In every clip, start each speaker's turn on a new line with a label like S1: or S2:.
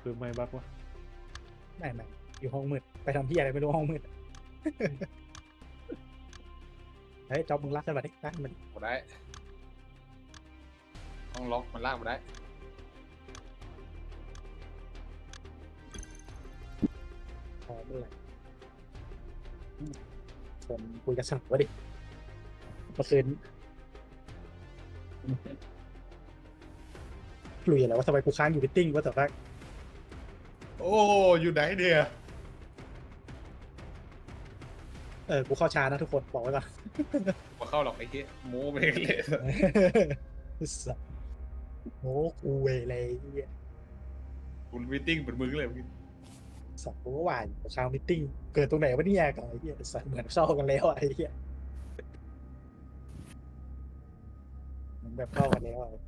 S1: คือไม่บักวะ
S2: ไม่อยู่ห้องมืดไปทำที่อะไรไม่รู้ห้องมืดเฮ้ยจอบมึงรักกันมาดิรักมัน
S3: มาได้ห้องล็อกมันลากมาได้
S2: พอเมื่อไหร่ผมคุยกับสาววะดิเมื่อคืนคุยอะไรว่าทำไมกูค้างอยู่มิทติ้งว่าแต่ว่า
S3: โอ้อยู่ไหนเนี่ย
S2: กูเข้าช้านะทุกคนบอกไว้ก่อน
S3: มาเข้าหรอกไอ้เหี้ยโม้ไปเลย
S2: สัสโอ้กูเวอะไรเงี้ย
S3: คุณมีตติ้งเป็นมึงเลยเมื่อกี้
S2: สัตว์กูก็ว่าอยู่ค้างมิทติ้งเกิดตรงไหนวะเนี่ยกับไอ้เหี้ยสัตว์เหมือนเข้ากันแล้วอะไอ้เหี้ยเหมือนแบบเข้ากันแล้วอะ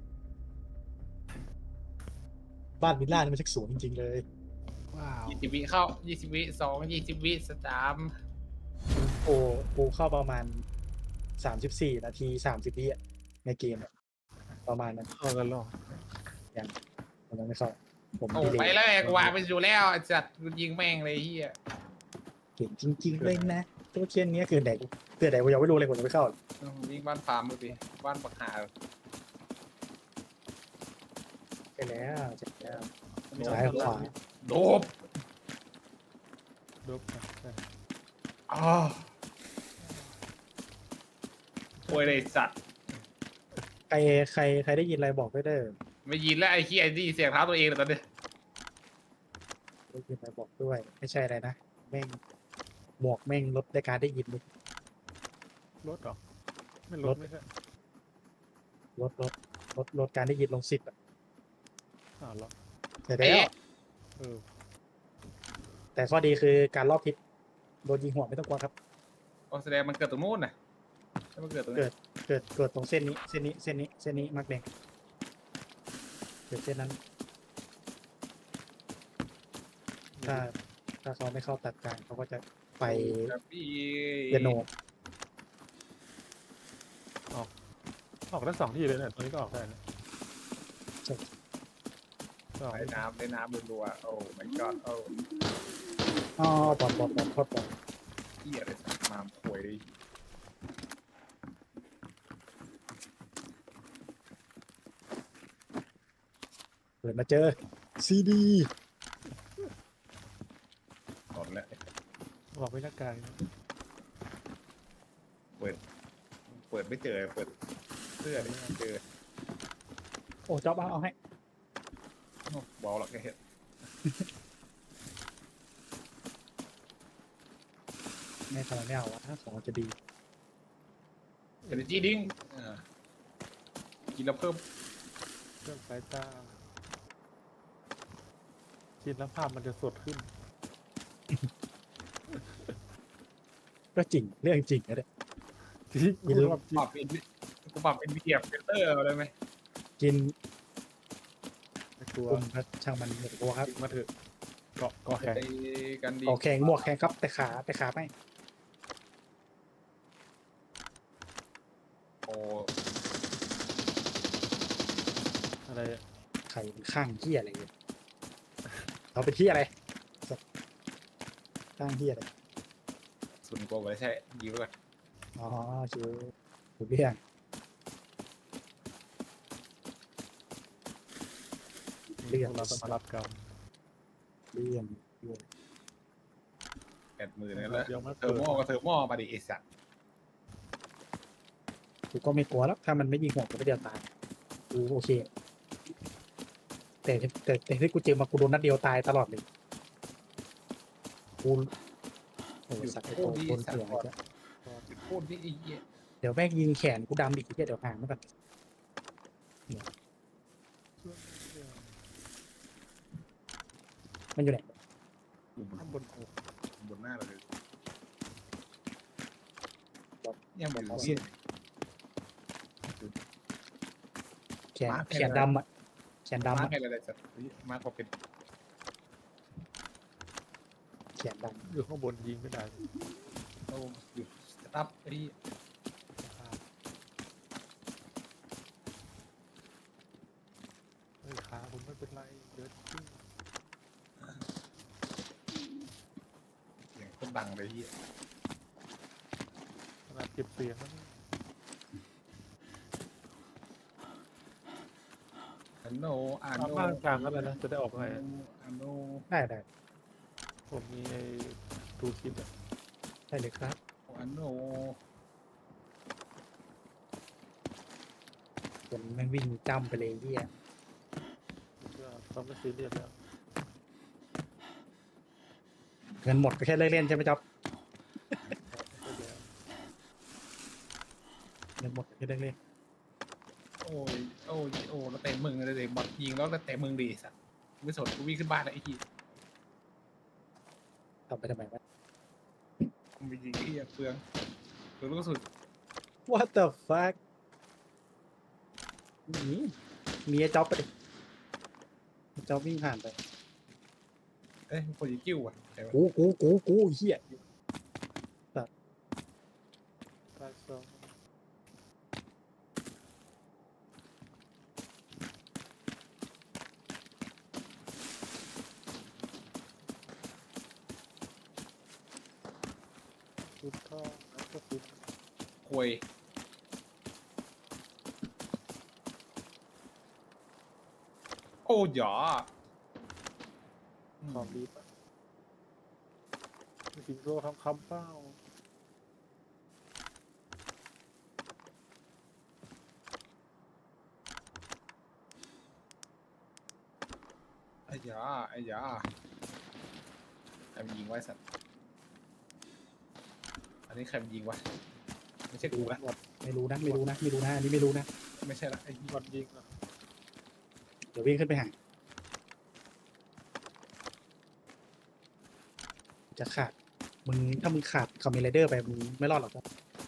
S2: บ้านวิลล่านี่มันชักสวยจริงๆเลย
S1: ว้าว
S3: 20 วิเข้า20 วิ2 20 วิ3
S2: โอ้กูเข้าประมาณ34 นาที30 วิอะในเกมอะประมาณนั้น
S1: เข้ากันหรอ
S2: มันยังไม่เข้าผม
S3: โอ้
S2: ดีเล
S3: ไป
S2: ย์
S3: แล้วไงกูวางไปอยู่แล้วไอ้จัดกูยิงแม่งเลยไอ้เหี้ย
S2: เก่งจริงๆเลยนะตัวเชียนนี้คือไหนเกิดไหนกูยังไม่รู้เลยผมยังไม่เข้า
S3: ยิงบ้านฟาร์มดูดิบ้านปักหา
S2: ไปแล้วเจ็บแล้วซ้ายขวา
S3: โดบ
S1: ดบนะใช่
S3: อ๋อโวยเลยสัตว์
S2: ใครได้ยินอะไรบอกด้วยเด้อ
S3: ไม่ยินแล้วไอ้เหี้ยไอ้นี่เสียงเท้าตัวเองเลยตอนนี้
S2: ได้ยินอะไรบอกด้วย ไม่ใช่อะไรนะแม่งหมวกแม่งลดในการได้ยินเลย
S1: รถเหรอไม่รถไม่ใช่
S2: ลดการได้ยินลง10อะ
S1: เหรอ
S2: แต่แล้ว
S1: เออ
S2: แต่ข้อดีคือการรอบทิศโดนยิงหัวไม่ต้องกลัวครับ
S3: โอ้แสดงมันเกิดตรงนู้นน่ะใช่มันเกิดตรงนี้
S2: เกิดตรงเส้นนี้มากแดงเกิดเส้นนั้น ถ้าเขาไม่เข้าตัดกลางเขาก็จะไป
S3: ครับพี่
S2: เปียโน
S1: ออกได้2 ที่เลยเนี่ยตอนนี้ก็ออกได้นะ
S2: ใช่
S1: ก็ออก
S3: ได้น้ำรัวๆโอ้ my god โอ้
S2: อ๋อบอลโคตรบอล
S3: เหี้ยอะไรสักมามควย
S2: เปิดมาเจอซีดี
S3: หลอนแล้ว
S1: ออกไม่หน้ากาก
S3: เปิดไม่เจอเปิดเสื้อไม่เจอ
S2: โอ้จ๊อบเอาให้
S3: บอลหรอกแค่เห็น
S2: ไม่ทำไมไม่เอาวะถ้าของจะดี
S3: เอเนจีดิ้งกินแล้วเพิ่ม
S1: เครื่องสายตาคิดแล้วภาพมันจะสดขึ้น
S2: ก็จริงเรื่องจริงนะเนี่ย
S1: จริง
S2: กินแล้ว
S3: ปรับเป็นกูปรับเป็นเดียบเฟลเตอร์อะไรไหม
S2: กิน
S1: ไม่กลัว
S2: กลุ่มครับช่างมันเหมือนกัวครับ
S1: มาเถอะเกาะแข็ง
S3: ไอ้กันดี
S2: ออกแข่งหมวกแข่งครับแต่ขาไม่
S3: โอ้
S1: อะไรอะ
S2: ไข่ข้างที่อะไรเนี่ยเราเป็นที่อะไรข้างที่อะไร
S3: สุนโกไว้ใช่ยิงไว้ก่อน
S2: อ๋อคือถูกเรื่องเรื่อง
S1: เราต้องมารับกรรม
S2: เรื่อง
S3: 80,000นั่นแหละ
S1: ยังไม่
S3: เทอ
S1: เปิ
S3: ร์
S1: ด
S3: โม่ก็เทอร์โม่มาดิไอ้สัตว์
S2: กูก็ไม่กลัวแล้วถ้ามันไม่ยิงหัวกูไม่เดียวตายกูโอเค แต่ที่กูเจอมากูโดนนัดเดียวตายตลอดเลยกูโอ้สัตว์ไอ้โตคนเถื่อนจะ
S3: โคตรที่ไอ้เหี้ย
S2: เดี๋ยวแม่งยิงแขนกูดำอีกทีเดี๋ยวห่างมันแบบมันอยู่ไหน
S3: อยู่
S1: ข้างบนอก
S3: บนหน้าเราเลย
S2: บอก
S3: เนี่ยมัน
S2: บอก
S3: เหี้ย
S2: แขนดำอ่ะแขนดำ
S3: มา
S2: อ่ะ
S3: ให้อะไรสัตว์มากกว่าเป็น
S2: แขนด
S1: อยู่ข้างบนยิงไม่ได้
S3: โอ้อยู่สตั๊บไอ้
S1: เฮ้ยขาผมไม่เป็นไรเดี๋ยวขึ้น
S3: ดังเลยเฮีย
S1: ขนาดเก็บเสียงแล้วนี่
S3: อันโนอัน
S1: ตาม
S3: โน
S1: บ้านกลางก็ได้นะจะได้ออกไง
S3: อันโน
S2: ได้
S1: ผมมีไอ้ทูคิดอ่ะ
S2: ได้เลยครับ
S3: อันโน
S2: คนแม่งวิ่งจ้ำไปเลยเฮีย
S1: ก็ต้องไม่ซีเรียสแล้ว
S2: เงินหมดก็แค่เลิกเล่นใช่ไหมจ๊อบ
S1: ก็เดี๋ยว
S2: เงินหมดก็แค่เลิกเล่น
S3: โอ้ยโอ้ยโอ้แล้วเตะมึงเลยบอลยิงแล้วเตะมึงดีสัตว์ไม่สนกูวิ่งขึ้นบ้านแล้วไอ้ที่
S2: ทำไปทำไมวะ
S3: มึงไปยิงไอ้เหี้ยเปลืองลูกกระสุน
S2: What the fuck มีไอ้จ๊อบไปดิจ๊อบวิ่งผ่านไป
S3: เอ้ยคนยิงกิ้วอ่ะใครวะ
S2: กูเฮีย
S1: ใต้ซองสุดท่อแล้วก็สุด
S3: ควยโอ้ยหยอ
S1: ของดีป่ะมีสิงโตทำคำเป้า
S3: ไอ้หยอไอ้หยอใครมันยิงไว้สัตว์อันนี้ใครมันยิงวะไม่ใช่กูละ
S2: ไม่รู้นะอันนี้ไม่รู้นะ
S3: ไม่ใช่ละไอ้ที่
S1: บอลยิงอ่ะ
S2: เดี๋ยววิ่งขึ้นไปหาจะขาดมึงถ้ามึงขาดคอมเมนไรเดอร์ไปมึงไม่รอดหรอกครับ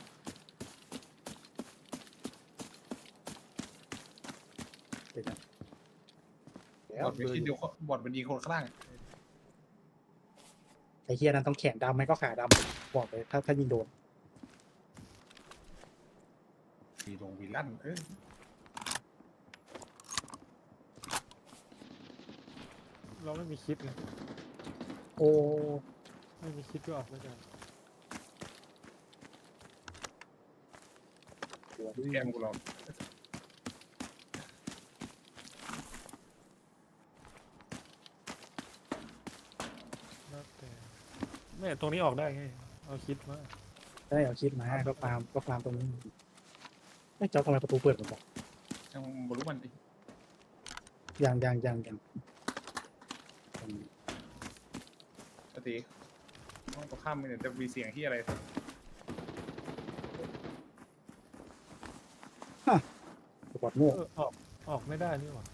S2: เดี๋ยวนะ
S3: บอดมันคิดเดียวบอดมันยิงคนข้างล่าง
S2: ไอ้เฮียนั้นต้องแขนดำไหมก็ขาดำบอกเลยถ้ายิงโดน
S3: วีลงวีลั่นเออ
S1: เราไม่มีคิดไง
S2: โอ้
S1: ไม่มีคิดก็ออกไม่ได้
S2: หัว
S3: แกมกูลอง
S1: แล้วแต่แม่ตรงนี้ออกได้ไงเอาคิดมา
S2: ได้เอาคิดมาก็ฟาร์มตรงนี้ไอ้เจ้าทำไมประตูเปิดหมดบอก
S3: ยังบรู้มันดิ
S2: ยัง
S3: ปกติห้องตรงข้ามมันจะมีเสียงที่อะไร
S2: ปอดโง่
S1: ออกไม่ได้นี่หว่า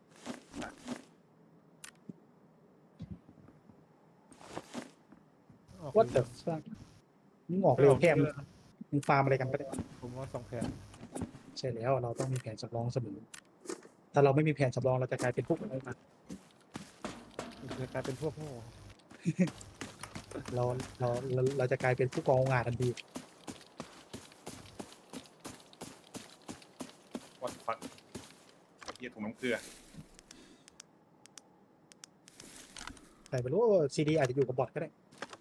S1: ออก
S2: วัดเตอร์มึงออกเร็วแค่มึงฟาร์มอะไรกันก็ได้
S1: ผมว่า2 แผน
S2: ใช่แล้วเราต้องมีแผนสำรองเสมอถ้าเราไม่มีแผนสำรองเราจะกลายเป็นพวกอะไรมา
S1: จะกลายเป็นพวกโง่
S2: เราจะกลายเป็นผู้กองงานทันที
S3: วัดฟักเหี้ยถุงน้ำเกลือ
S2: แต่ไม่รู้ซีดีอาจจะอยู่กับบอทก็ได้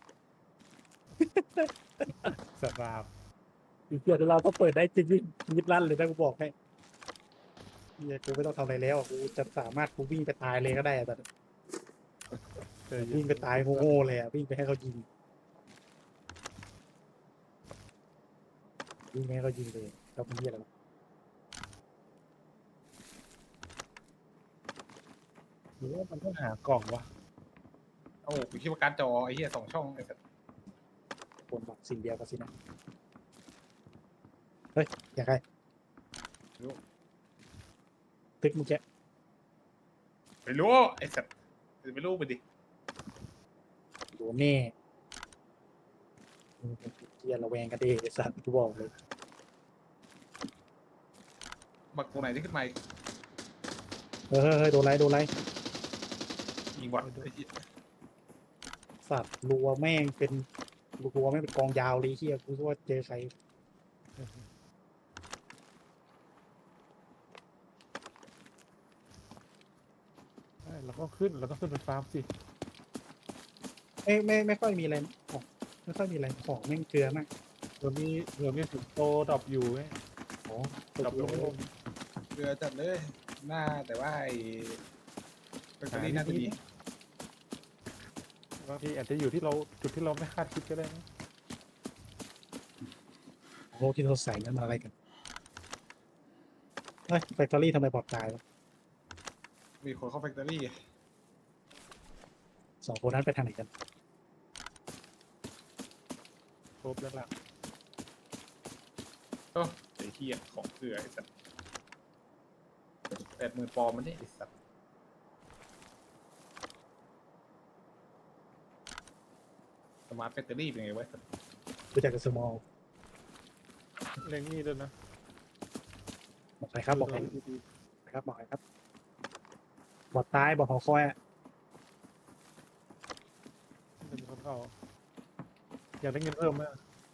S1: สบาย
S2: อีกเดี๋ยวเราต้องเปิดได้จริงๆยิบลั่นเลยนะกูบอกให้เฮียกูไม่ต้องทำอะไรแล้วกูจะสามารถกูวิ่งไปตายเลยก็ได้อะแต่ วิ่งไปตายโง่ๆเลยอ่ะวิ่งไปให้เขายิงวิ่งไปให้เขายิงเลยเราเป็นเฮียอะไรวะ
S1: หรือว่ามันต้องหากล่องวะ
S3: โอ้กูคิดว่าการ์ดจอไอ้เหี้ย2 ช่องไอ้สัตว์
S2: คนบอกสิ่งเดียวกันสินะเฮ้ยอยากใครตึกมึงแก
S3: ไม่รู้ไอ้สัตว์ไม่รู้ไปดิ
S2: โดนแน่มึงเป็นเฮียระแวงกันเองไอ้สัตว์กูบอกเลย
S3: บักตัวไหนที่ขึ้นมา
S2: เฮ้ยโดนไร
S3: ยิงบอดไอ้เหี้ย
S2: สัตว์รัวแม่งเป็นรัวแม่งเป็นกองยาวเลยเฮียกูว่าเจอใคร
S1: เราก็ขึ้นไปฟาร์มสิ
S2: ไม่ค่อยมีอะไรอ๋อไม่ค่อยมีอะไรของแม่งเกลือมาก
S1: เรือมีสิงโตดรอปอยู่ไง
S2: โอ้
S1: ดรอปลงไม่ลง
S3: เรือจัดเลยหน้าแต่ว่าไอ้แบตเตอรี่น่าจะดี
S1: บางทีอาจจะอยู่ที่เราจุดที่เราไม่คาดคิดก็ได้นะ
S2: โหที่เขาใส่นั้นมาอะไรกันเฮ้ยแฟคทอรี่ทำไมบอดตายวะ
S3: มีคนเข้าแฟคทอรี่
S2: สองคนนั้นไปทางไหนกัน
S1: ครบแล้วล่ะ
S3: โอ้ไอ้เหี้ยของเกลือไอ้สัตว์80,000 ปอนด์มันนี่ไอ้สัตว์สมาร์ทแฟคทอรี่เป็นไงวะ
S2: รู้จักกับสมอล
S1: เร่งนี่ด้วยนะ
S2: บอกใครครับบอกใครครับบอกใครครับบอดตายบอดหอคอยอะ
S1: เป็นคนเข้าอยากได้เงินเพิ่มไหม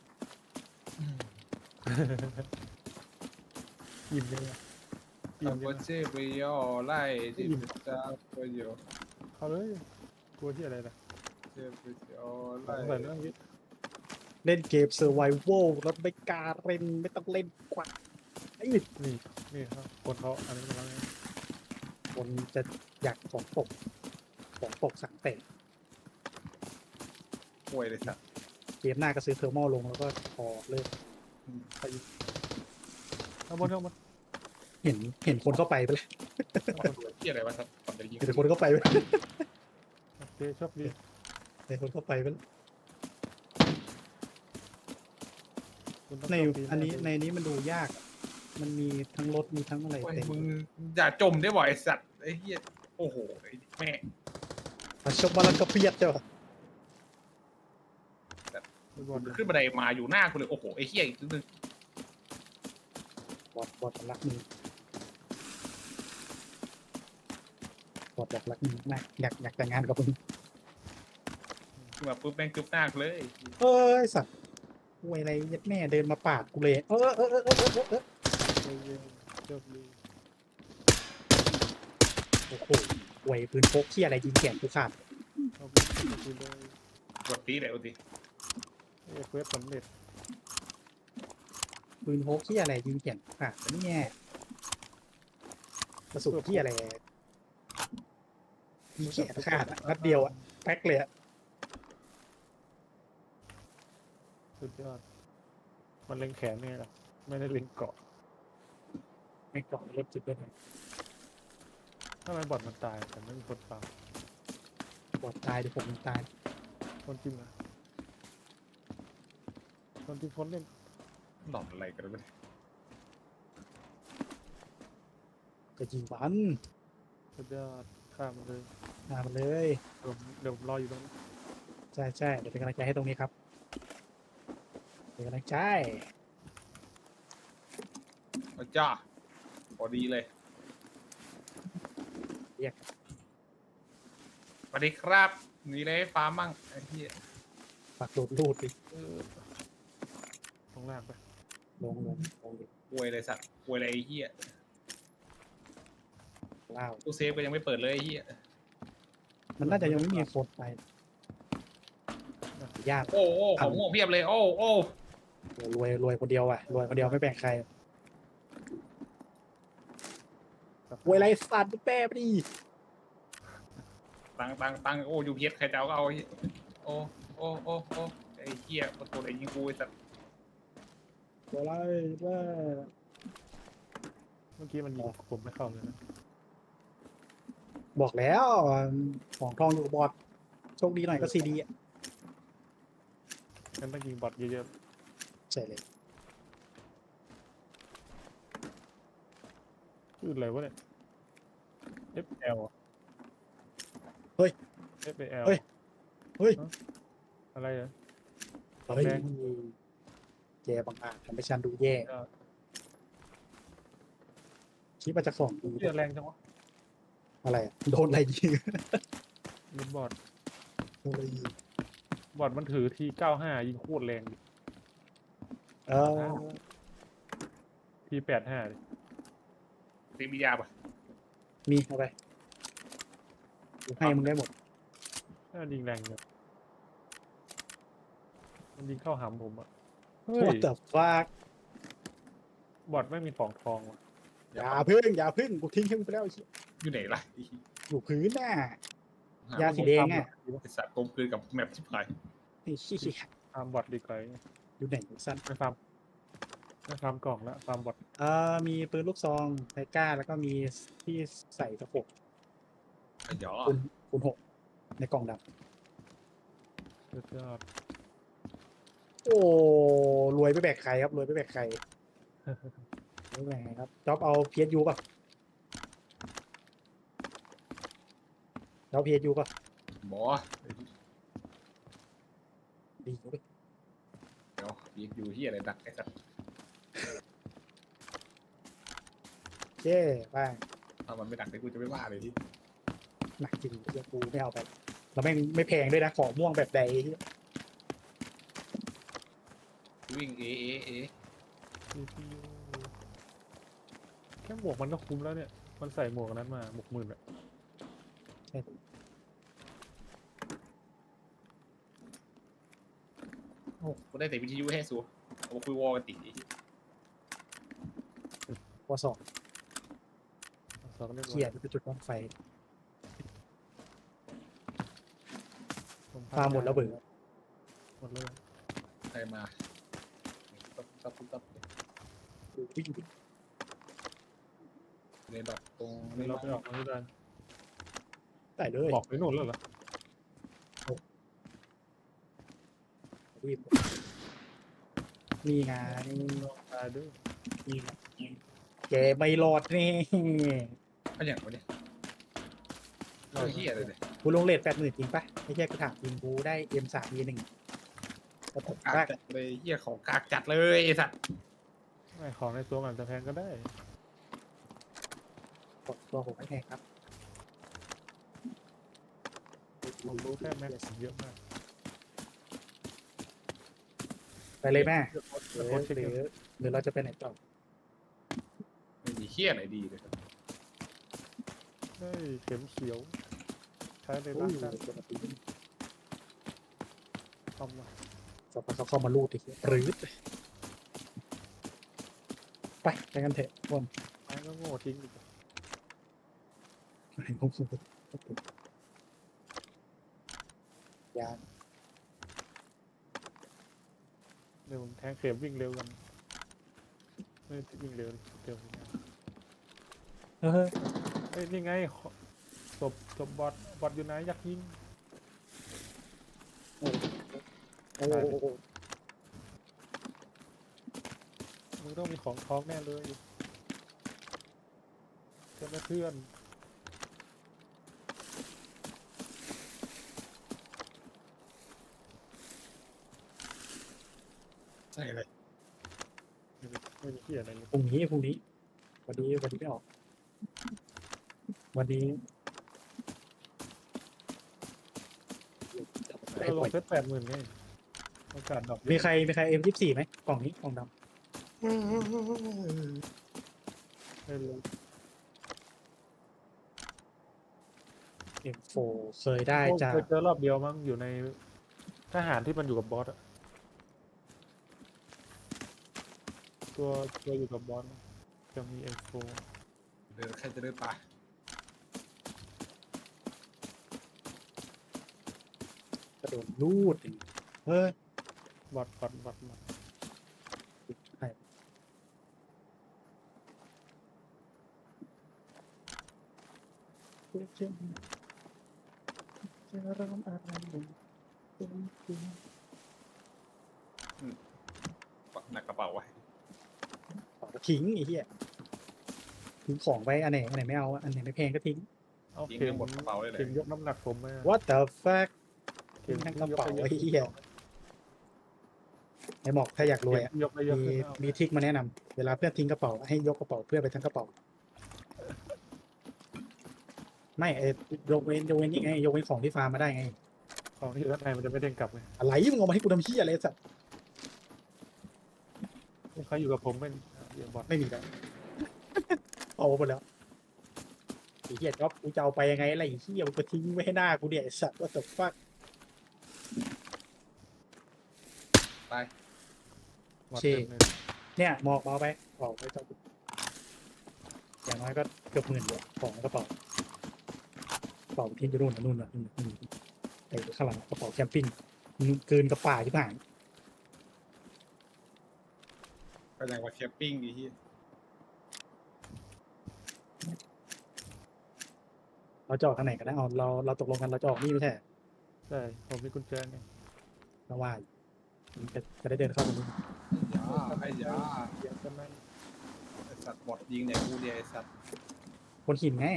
S1: อิ่มเลยอะอิ่ม
S3: ทำ
S1: เล
S3: โปร
S1: ยนะ
S3: เจกต์ไปย่อไล่ที่จะประโยชน์
S1: เข้าเลยกลัวที่อะไรล่ะ
S3: เจอไปย่อ
S1: ใส่
S3: ไล่
S1: เรื่องนี้
S2: เล่นเกมเซอร์ไวโวลแล้วไม่กล้าเล่นไม่ต้องเล่นกว่าไอ้
S1: นี่ครับคนเขาอันนี้กำลัง
S2: คนจะอยากของตกสั่งเตะ
S3: ป่วยเลยสัตว์
S2: เกมหน้าก็ซื้อเทอร์โมลงแล้วก็พอเลิก
S1: ข้างบน
S2: เห็นคนเข้าไปไปเลย
S3: มันดูเหี้ยอะไรวะสัตว์ก่อนจะยิง
S2: เห็นคนเข้าไปไปเลย
S1: โอเคโชคดี
S2: เห็นคนเข้าไปไปเลย
S1: คุณต้อง
S2: ใน
S1: โชคดี
S2: อันนี้
S1: มาก
S2: ในนี้มันดูยากอะมันมีทั้งรถมีทั้งอะไร
S3: โอ้ย
S2: เต็ม
S3: มึงอย่าจมได้บ่อยไอ้สัตว์ไอ้เหี้ยโอ้โหไอ้แม่
S2: มาชกมาแล้วก็เพียดเจ้า
S1: ฟุตบอล
S3: ขึ้นบันไดมาอยู่หน้ากูเลยโอ้โหไอ้เหี้ยอีกนิดนึง
S2: บอดรักมืบอดรักมือมากอยากแต่งงานกับมึง
S3: ขึ้นมาปุ๊บแม่งกึบหน้ากูเลย
S2: เอ้ยสัตว์ห่วยอะไรยัดแม่เดินมาปาดกูเลย
S1: โชคดี
S2: โอ้โหห่วยปืนพกที่อะไรยิงแขนกูขาด
S1: ขอบคุณเลย
S3: กดตีเลยเอาดิ
S1: เควสสำเร็จ
S2: ปืนพกที่อะไรยิงแขนกูขาดนี่แง่กระสุนที่อะไรยิงแขนขาดอะนัดเดียวอะแพ็คเลยอะ
S1: สุดยอดมันเล็งแขนไงล่ะไม่ได้เล็งเกาะ
S2: ไม่กล่องรถจุดเลย
S1: ทำไมบอดมันตายแต่ไม่มีคนตาย
S2: บอดตายเดี๋ยวผมตาย
S1: คนจริงอะคนจริงคนเล่น
S3: หลอนอะไรกันวะ
S2: ก็ยิงวัน
S1: สุดยอดข้ามมันเลย
S2: มามันเลย
S1: เดี๋ยวผมรออยู่ตรงนี้
S2: ใช่เดี๋ยวเป็นกำลังใจให้ตรงนี้ครับเป็นกำลังใจ
S3: เอาจ้าพอดีเลย
S2: เรียก
S3: สวัสดีครับมีอะไรให้ฟาร์มมั่งไอ้เหี้ย
S2: ฝากโดดรูดดิ
S1: ตรงล่างไป
S2: ลงดิ
S3: ป่วยเลยสัตว์ป่วยอะไรไอ้เหี้ย
S2: เล่า
S3: ตู้เซฟก็ยังไม่เปิดเลยไอ้เหี้ย
S2: มันน่าจะยังไม่มีโค้ดไปยาก
S3: โอ้โอ้ของม่วงเพียบเลยโอ้โอ้
S2: รวยคนเดียวอ่ะรวยคนเดียวไม่แบ่งใครรวยไรสัตว์แป้ไปดิ
S3: ตังโอ้ยูพีเอสใครจะเอาก็เอาไอ้เหี้ยโอ้โอ้โอ้โอ้ไอ้เหี้ยประตูไหนยิงกูไอ้สัตว์
S2: รวยไรว่า
S1: เมื่อกี้มันยิงผมไม่เข้าเลยนะ
S2: บอกแล้วของทองอยู่กับบอดโชคดีหน่อยก็ซีดี
S1: งั้นต้องยิงบอทเยอะ
S2: ใช่เลย
S1: ๆชื่ออะไรวะเนี่ย FL
S2: เฮ้ย
S1: FL
S2: เฮ้ย เฮ้ย
S1: อะไรเหรอ
S2: เฮ้ยแกบางอาจทำให้ฉันดูแย่คิดว่าจะของดี
S1: เลือดแรงจังวะ
S2: อะไรอะโดนอะไรยิง
S1: ยิงบอท
S2: โดนอะไรยิง
S1: บอทมันถือที95ยิงโคตรแรงดิ
S2: เออ
S1: ที85ดิ
S3: ตีมียาป่ะ
S2: มีเอาไปกูให้มึงได้หมด
S1: ถ้ามันยิงแรงเนี่ยมันยิงเข้าหำผมอ่ะ
S2: โค
S1: เฮ้ย
S2: ตรฟัก
S1: บอทไม่มีของทองว่ะ
S2: อย่าพึ่งอย่าพึ่งกูทิ้งให้มึงไปแล้วไอ้เหี้ย
S3: อยู่ไหนล่ะ
S2: อยู่พื้นน่ะ
S3: หาย
S2: าสีแดงอ่ะ
S3: ไอสัตว์กลมกลืนกับแมปชิบหาย
S2: ไอ้เหี้ย
S1: ฟาร์มบอทดีกว่า
S2: อยู่ไหนสั้น
S1: ไม่ฟาร์มไม่ฟาร์มกล่องแล้วฟาร์มบอท
S2: มีปืนลูกซองไทก้าแล้วก็มีที่ใส่ตะปบ
S3: ไอ้หยอ
S2: คูณ6ในกล่องด
S1: สุดยอด
S2: ำโอ้รวยไปแบกใครครับรวยไปแบกใครรวยไปแบกใครครับจ๊อบเอา PSU ป่ะจ๊อบ PSU ป่ะ
S3: บอ
S2: ดีเว้ย
S3: เดี๋ยวยีอยู่ที่อะไรดักไอ้สัตว์
S2: เจ้ไป
S3: ถ้ามันไม่ดักเลยกูจะไม่ว่าเลยที่
S2: หนักจริงเดี๋ยวกูไม่เอาไปแล้วแม่งไม่แพงด้วยนะของม่วงแบบใด
S3: วิ่งเอ
S1: CPU แค่หมวกมันก็คุ้มแล้วเนี่ย มันใส่หมวกอันนั้นมาหมวกหมื่นอะ
S2: ใช่
S3: โอ้กูได้แต่วิทยุให้สูเอาคุยวอลกันติ
S2: วสอง
S1: สองเรียบร้อ
S2: เขียนเป็นจุดบ้างไฟ
S1: ผม
S2: ฟาร์มหมดแล้วเบื่อ
S1: หมดเลย
S3: ใครมาตับ
S2: วิ่ง
S3: ในดอกตรง
S1: นี่เราไปออกมาที่ด้าน
S2: ได้เลย
S1: บอกไปโน่นแล้วเหรอ
S2: วิ่งนี่ไง
S1: ตายด้วย
S2: นี่ไงแกไม่รอดนี่
S3: ก็อย่างวะเนี่ยเฮียอะไรเนี่ย
S2: กูลงเลท80,000จริงปะไม่ใช่กูถามจริงกูได้ M3E1 แต่ผม
S3: กาก
S2: ว่า
S3: จัดเลยเฮียของกากจัดเลยไอ้สัตว์
S1: ไม่ของในตัวมันจะแพงก็ได้
S2: ตัวผมไม่แพงครับ
S1: ผมรู้แค่แม็กซ์เยอะมาก
S2: ไปเลยแม่
S1: เดี๋ยว
S2: หรือ
S1: โค้ชเช็ค
S2: ห
S1: เงิ
S2: รื
S1: น
S2: หรือเราจะไปไหนต่อ
S3: ไม่มีเฮียไหนดีเลย
S1: ได้เข็มเขียว ใช้ใน
S2: โอ้
S1: ร่าง
S2: ย
S1: กายทำมา
S2: สักพักเขาเข้ามาลูดอีกหรือไปกันเถอะพวก
S1: ไม้ก็โง่ทิ้งอีก
S2: ยาน
S1: เร็วแทงเข็มวิ่งเร็วกันไม่วิ่งเร็วเร็ว
S2: เออ
S1: เอ้ยนี่ไงศพบอทอยู่ไหนอยากยิง
S2: โอ้โห
S1: มึงต้องมีของท้องแน่เลยเพื่อนเพื่อน
S3: ใช่เลย
S1: ไม่มีเหี้ยอะไรเลย
S2: พรุ่งนี้วันนี้ไม่ออก วันนี้ไอ้
S1: เราล
S2: ปล่อย
S1: งเซต80,000ไงโอกาสดรอป
S2: มีใครM24ไหมกล่องนี้กล่องด
S1: ไม่รู้
S2: ำ M4 เคยได้จาก
S1: เคยเจอรอบเดียวมั้งอยู่ในทหารที่มันอยู่กับบอสอะตัวอยู่กับบอสจะมี M4
S3: เดินใครจะเดินป่าก
S2: ระโดดลูดอย่างงี้เฮ้ย
S1: บอท
S2: ใครจะร้องอะไรอยู่
S3: ปักหนักกระเป๋าไว้
S2: ทิ้งไอ้เหี้ยทิ้งของไปอันไหนไม่เอาอันไหนไม่แพงก็ทิ้ง
S1: เอา
S3: ยิง
S1: เข็
S3: ให้
S1: ม
S3: หมดกระเป๋าเลย
S1: เข็มยกน้ำหนักผมมา
S2: What the fuck
S1: เข็ม
S2: ทั้งกระเป๋า
S1: ที่ย
S2: ไอ้
S1: ป
S2: เหี้ย ไอ้หมอกถ้าอยากรวยอ่ะ
S1: ยกได้เยอะ
S2: มี
S1: ขึ้นเอา
S2: มีทริกมาแนะนำเวลาเพื่อนทิ้งกระเป๋าให้ยกกระเป๋าเพื่อนไปทั้งกระเป๋า ไม่ยกเว้นนี่ไงยกเว้นของที่ฟาร์มมาได้ไง
S1: ของที่อยู่ด้านในมันจะไม่เด้งกลับไง
S2: อะไรมึงเอามาให้กูทำเหี้ยอะไรสัตว์
S1: เขาอยู่กับผมเป็นเดี๋ยวบอท
S2: ไม่มีแล้ว เอาหมดแล้วไอ้เหี้ยจ๊อบกูจะเอาไปยังไงอะไรไอ้เหี้ยมึงก็ทิ้งไว้ให้หน้ากูเนี่ยไอ้สัตว์ว่าแต่ฟัก
S3: ตาย
S1: หมด
S2: เชี่
S1: เต็มเลย
S2: เนี่ยหมอกเบาไปออกไปเจ้าอย่างน้อยก็เกือบ10,000อยู่ของกระเป๋ากระเป๋าที่อยู่นู่นนู่นไอ้ข้างหลังกระเป๋าแคมปิ้งมันเกินกระป๋าที่ผ่าน
S3: ก็อย่างว่าแคมปิ้งดีที่
S2: เราจะออกทางไหนกันนะอ๋อเราตกลงกันเราจะออกนี่ไม่ใช่
S1: ใช่ผมมีกุญแจไง
S2: เราว่าจะได้เดินเข้าตรงนี้
S3: ไอ้ยา
S1: เดี๋ยวกันนั่น
S3: ไอ้สัตว์บอดยิงเนี่ยกูเดียไอ้สัตว์
S2: คนหินไง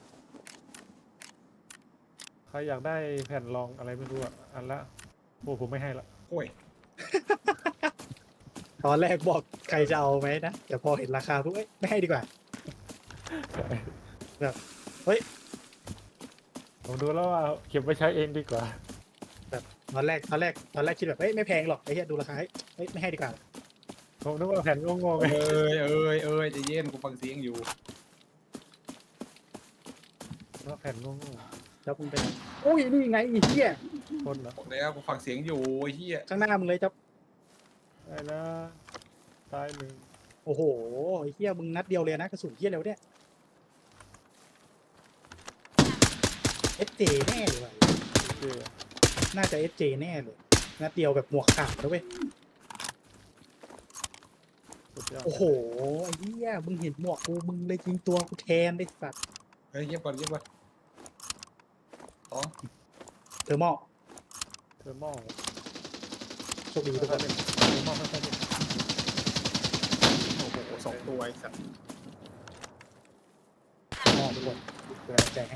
S1: ใครอยากได้แผ่นรองอะไรไม่รู้อ่ะอันละโอ้ผมไม่ให้ละ
S3: โอ้ย
S2: ตอนแรกบอกใครจะเอาไหมนะแต่พอเห็นราคาปุ๊บเอ้ยไม่ให้ดีกว่า
S1: ใช่
S2: เฮ้ย
S1: ผมดูแล้วว่าเก็บไว้ใช้เองดีกว่า
S2: ตอนแรกคิดแบบเอ้ยไม่แพงหรอกไอ้เหี้ยดูราคาเฮ้ยไม่ให้ดีกว่า
S1: ผมนึกว่าแผ่นโง่ๆไง
S3: เอ้ยใจะเย็นกูฟังเสียงอยู่
S1: ว่าแผ่นโง่
S2: จ๊อบมึงเป็นอุ้ยนี่ไงไอ้เหี้ย
S1: ๆคนเหรอ
S3: บอกแล้วกูฟังเสียงอยู่ไอ้เหี้ย
S2: ข้างหน้ามึงเลยจ๊อบ
S1: ได้นะตายหนึ่ง
S2: โอ้โหไอ้เหี้ยมึงนัดเดียวเลยนะกระสุนเหี้ยเร็วเนี่ยเอสเจแน่เลยว่ะ
S1: เจ๊
S2: น่าจะเอสเจแน่เลยนัดเดียวแบบหมวกขาดแล้วเว้ย
S1: สุดยอด
S2: โอ้โหไอ้เหี้ยมึงเห็นหมวกกูมึงเลยยิงตัวกูแทนได้สัตว์
S3: เฮ้ยเย็บก่อนอ๋อ
S2: เทอร์โม
S1: เทอร์โมอล
S2: โชคดีทุก
S1: ค่
S2: ค
S1: อย
S2: น
S1: ๆเล่นเทอร์โมอลค่อยๆเล่น
S3: โอ้โหสองตัวไอ้สัตว์
S2: มองทุกคนเป็นกำลังใจให้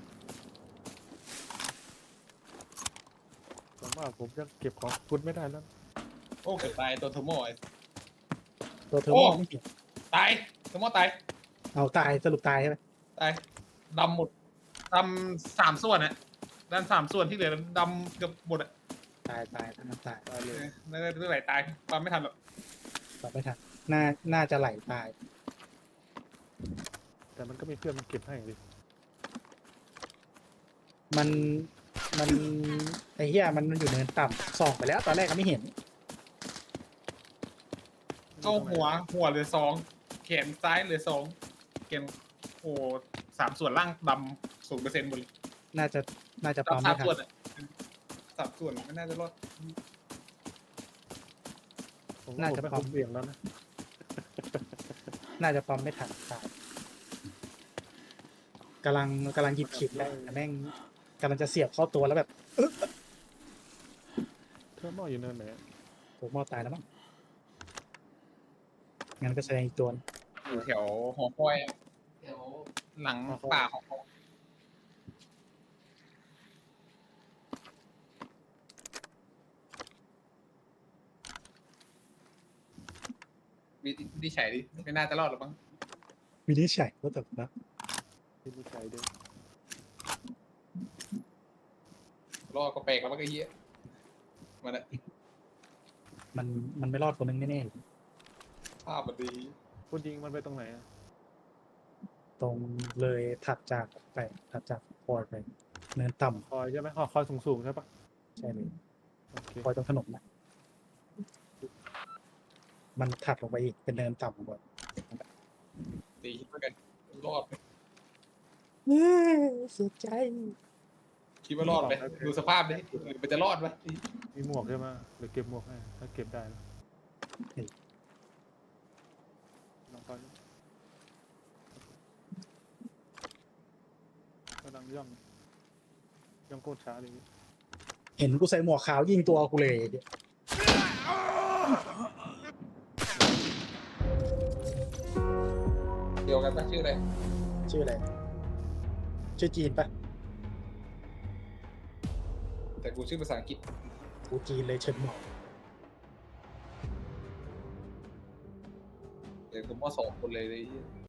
S1: ผมว่าผมยังเก็บของคุณไม่ได้แล้ว
S3: โอ้เกือบตายตัวเทอร์โมไอ้
S2: ตัวเทอร์โม
S3: โอ้
S2: ไม่เห็น
S3: ตายเทอร์โมตาย
S2: เอาตายสรุปตายใช่ไหม
S3: ตายดำหมดดำ3 ส่วนอะด้าน3 ส่วนที่เหลือดำเกือบหมดอะ
S2: ตายทั้งนั้นตาย
S1: ตายเลย
S3: น่าจะเรื่องไหลตายความไม่ทันหรอก
S2: ตอบไม่ทันน่าจะไหลตาย
S1: แต่มันก็มีเพื่อนมันเก็บให้ดิ
S2: มันไอ้เหี้ยมันอยู่เนินต่ำส่องไปแล้วตอนแรกก็ไม่เห็น
S3: เข้าหัวเหลือ2แขนซ้ายเหลือ2แขนโอ้3 ส่วนล่างดำ0%หมดเลย
S2: น่าจะปั๊ม
S3: ดำ
S2: ไม่
S3: 3
S2: ทั
S3: ส่วน นอะ3 ส่วนไม่น่าจะรอด
S1: ผมว่าผมไม่คุ้มเสี่ยงแล้วนะ
S2: น่าจะปั๊มไม่ทันตายกำลังหยิบขีดแล้วแต่แม่งกำลังจะเสียบเข้าตัวแล้วแบบ
S1: เทอร์โมอลอยู่เนินไหน
S2: ผมมอตายแล้วมั้งงั้นก็แสดงอีกตัว
S3: อยู่แถวหอคอยอะแถวหลังป่าหอคอยวิธีใช้ดิไม่น่าจะรอดหรอกมั้ง
S2: วินิจฉัยก็แบบนะ
S1: ที่มีใช้ด้วย
S3: รอดก็แปลกแล้วมันก็เหี้ยมันอะ
S2: มันไม่รอดคนนึงแน่
S3: ภาพมันดี
S1: คุณยิงมันไปตรงไหนอะ
S2: ๆตรงเลยถัดจากคอยไปเนินต่
S1: คอยใช่ไหมคอยสูงๆใช่ปะ
S2: ำใช่เลย
S1: โอเค
S2: คอยตรงถนนนะมันถัดลงไปอีกเป็นเนินต่ำกว่า
S3: ตีเหมือนกันรอดไหม
S2: เสียใจ
S3: คิดว่ารอดไหมดูสภาพดิหรือมันจะรอดไหม
S1: มีหมวกใช่ไหมหรือเก็บหมวกให้ถ้าเก็บได้แล้วลองไปกำลังย่องโคตรช้าเลย
S2: เห็นกูใส่หมวกขาวยิงตัวกูเลย
S3: เดียวกันปะชื่ออะไร
S2: ชื่ออะไรชื่อจีนปะ
S3: แต่กูชื่อภาษาอังกฤษ
S2: กูจีนเลยเฉินหมอก
S3: เดี๋ยวกูมอ2 คนเลย